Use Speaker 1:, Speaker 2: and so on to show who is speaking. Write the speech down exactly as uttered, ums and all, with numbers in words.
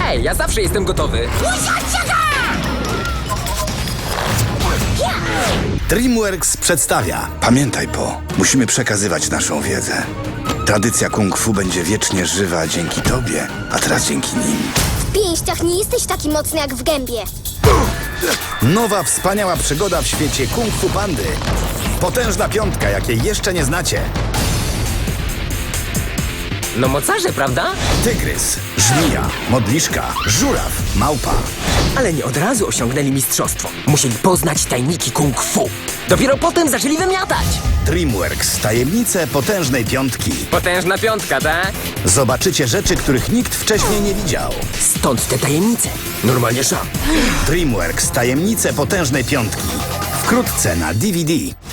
Speaker 1: Hej, ja zawsze jestem gotowy.
Speaker 2: DreamWorks przedstawia. Pamiętaj, Po, musimy przekazywać naszą wiedzę. Tradycja kung fu będzie wiecznie żywa dzięki tobie, a teraz dzięki nim.
Speaker 3: W pięściach nie jesteś taki mocny jak w gębie.
Speaker 2: Nowa, wspaniała przygoda w świecie kung fu pandy. Potężna piątka, jakiej jeszcze nie znacie.
Speaker 1: No mocarze, prawda?
Speaker 2: Tygrys, żmija, modliszka, żuraw, małpa.
Speaker 1: Ale nie od razu osiągnęli mistrzostwo. Musieli poznać tajniki kung fu. Dopiero potem zaczęli wymiatać.
Speaker 2: DreamWorks, tajemnice potężnej piątki.
Speaker 1: Potężna piątka, tak?
Speaker 2: Zobaczycie rzeczy, których nikt wcześniej nie widział.
Speaker 1: Stąd te tajemnice. Normalnie szam.
Speaker 2: DreamWorks, tajemnice potężnej piątki. Wkrótce na D V D.